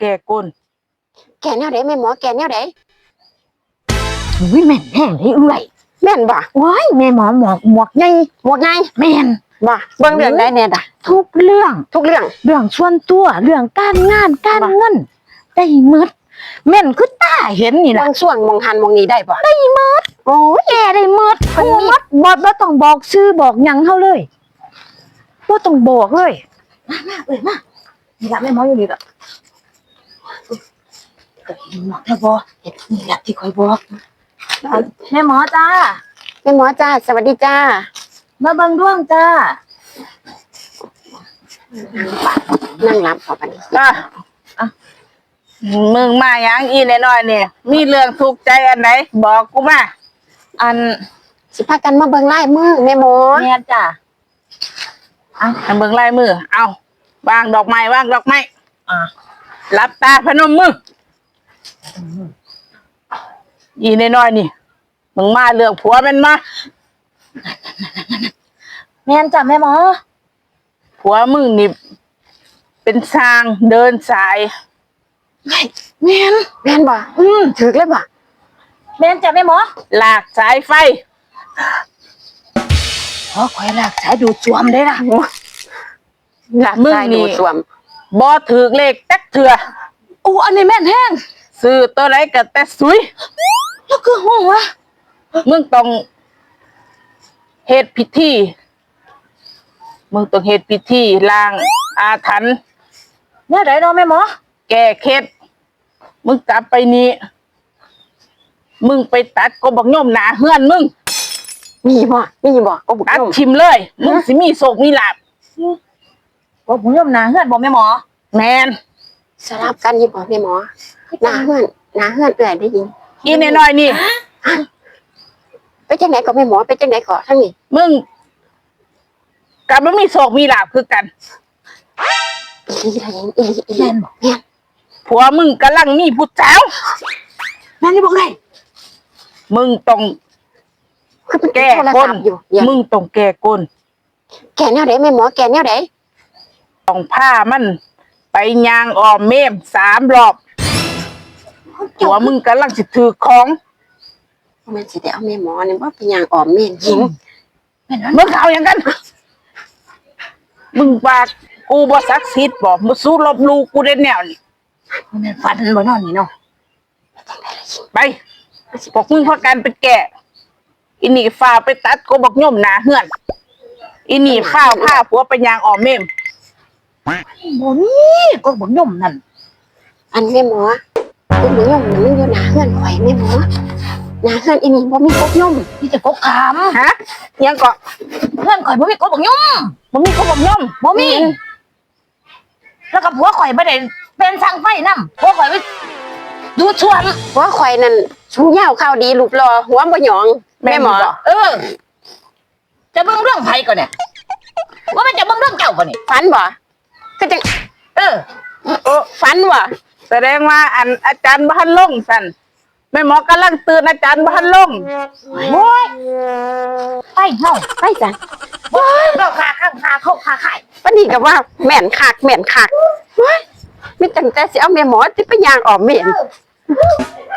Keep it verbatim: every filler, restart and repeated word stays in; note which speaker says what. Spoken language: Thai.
Speaker 1: แก่ก้น
Speaker 2: แก่แนวไหนแม่หมอแก่แนวไหน
Speaker 3: อุ้ยแม่นแห้งเลยเอื่อย
Speaker 2: แม่นบ่
Speaker 3: ว้ายแม่หมอหมวกหมวกไง
Speaker 2: หมวกไง
Speaker 3: แม่น
Speaker 2: บ่เบิ่งเรื่องได้แน่ด่ะ
Speaker 3: ทุกเรื่อง
Speaker 2: ทุกเรื่อง
Speaker 3: เรื่องส่วนตัวเรื่องการงานการเงินได้หมดแม่นคือตาเห็นนี่ล่ะ
Speaker 2: บางช่วงมองหันมองนี้ได้บ่
Speaker 3: ได้หมด
Speaker 2: โอ้ย
Speaker 3: แกได้หมดฮู้หมดบ่บ่ต้องบอกชื่อบอกหยังเฮาเลยบ่ต้องบอกเลยมามาเอ้ยมานี่ล่ะแม่หมออยู่นี่ล่ะก็เห็นหมดแล้วบ่เฮ็ดนี่ล่ะที่คอยบอกแม่หมอจ้า
Speaker 2: แม่หมอจ้าสวัสดีจ้า
Speaker 3: มาเบิ่งดวงจ้า
Speaker 2: นั่งรับขอบัดนี้
Speaker 1: อ่ะมึงมาหยังอีแน่น้อยเนี่ยมีเรื่องทุกข์ใจอันไหนบอกกูมา
Speaker 3: อัน
Speaker 2: สิพากันมาเบิ่งลายมือแม่หมอ
Speaker 3: แม่จ้า
Speaker 1: เอาให้เบิ่งลายมือเอาวางดอกไม้วางดอกไม้
Speaker 3: อ่ะ
Speaker 1: หลับตาพนมมืออีแน่น้อยนี่มึงมาเรื่องผัวเป็นมา
Speaker 3: แม่นจ้ะแม่หมอ
Speaker 1: ผัวมึงนี่เป็นสร้างเดินสาย
Speaker 2: แม่นแม่นบ่อืมถึกเลยบ่
Speaker 3: แม่นจ้ะแม่หมอ
Speaker 1: ลากสายไฟ
Speaker 3: ขอคอยลากสายดูดซ่วมได้ล่ะ
Speaker 2: ลากสายดูดซ่วม
Speaker 1: บ่ถึกเลขจักเถื่อ
Speaker 3: โอ้อันนี้แม่นแห้ง
Speaker 1: ซื้อตัวไหนก็แต่สุย
Speaker 3: แล้วคือห้องวะ
Speaker 1: มึงต้องเฮ็ดพิธีมึงต้องเฮ็ดพิธีล้างอาถรรพ์
Speaker 3: แม่ไหนเนาะแม่หมอ
Speaker 1: แก้เคล็ดมึงกลับไปนี่มึงไปตัดกบบักย่อมหนาเฮือนมึง
Speaker 2: มีบ่มีบ่กบบัก
Speaker 1: ตัด
Speaker 2: ย่อม
Speaker 1: ชิมเลยมึงสิมีโชคมีลาภ
Speaker 3: กบบักย่อมหนาเฮือนบ่แม่หมอ
Speaker 1: แม่น
Speaker 2: สลับกันอยู่บ่แม่หมอหนาเฮือนหนาเฮือนเอื้อยได้ยิน
Speaker 1: อีน้อยๆนี่
Speaker 2: ไปจังไหนก็แม่หมอไปจังไหนก็ทั้งนี้
Speaker 1: มึงกลับบ่มีโชคมีลาภคือกัน
Speaker 2: อีหยังอีอีแม่นบ่แม่น
Speaker 1: ผัวมึงกำลังมีผู้สาว
Speaker 3: แม่นี่บอกไง
Speaker 1: มึงต้องแก้ก้นมึงต้องแก้ก้น
Speaker 2: แก่แนวไหนแม่หมอแก่แนวไหน
Speaker 1: ต้องผ้ามันไปยางอ้อมเมมสามรอบผัวมึงกำลังสิถือของ
Speaker 2: มันสิได้เอาแม่หมอนี่ว่าเป็นยางอ้อมเมนยิง
Speaker 1: มึงเอาอย่างกันมึงปากกูบ่ศักดิ์สิทธิ์บ่มึงสู้ลบลูกูได้แนวนี่
Speaker 3: มันฟันบ่นอนนี่เนาะ
Speaker 1: ไปพวกมึงพากันไปแก่อินี่ฝ้าไปตัดกบบักย่อมหนาเฮือนอินี่ข้าวผ้าผัวไปยางอ้อมเมม
Speaker 3: บ่มีกบบักย่อมนั่น
Speaker 2: อันแม่หมอกบบักย่อมมันอยู่หนาเฮือนข่อยแม่หมอหนาเฮือนอีนี่บ่มีกบย่อม
Speaker 3: มีแต่กบขาม
Speaker 1: ฮะยังเกาะ
Speaker 3: เฮือนข่อยบ่มีกบบักย่อม
Speaker 1: บ่มีกบบักย่อม
Speaker 3: บ่มีแล้วก็ผัวข่อยบ่ได้เป็นช่างไฟนำผัวข่อยไปดูช่วง
Speaker 2: ผัวข่อยนั่นสูงยาวข้าวดีรูปหล่อหัวบ่หยองแม่หมอ
Speaker 3: เออจะเบิ่งเรื่องไผก่อนเนี่ยว่ามันจะเบิ่งเรื่องเจ้าก่อนนี่
Speaker 2: ฝันบ่ก็จัง
Speaker 3: เออ
Speaker 1: โอ้
Speaker 2: ฝันว่ะ
Speaker 1: แสดงว่าอันอาจารย์บ่ทันลงสั่นแม่หมอกำลังตื่นอาจารย์บ่ทันลง
Speaker 3: โอ้ยไปเฮา
Speaker 2: ไปจ้ะ
Speaker 3: โอ้ยเราขาข้างขาเข้าขาไข่
Speaker 2: ปานนี้ก็ว่าแม่นคักแม่นคักโอ้ยมีจังแต่สิเอาแม่หมอสิไปย่างอ้อมเมน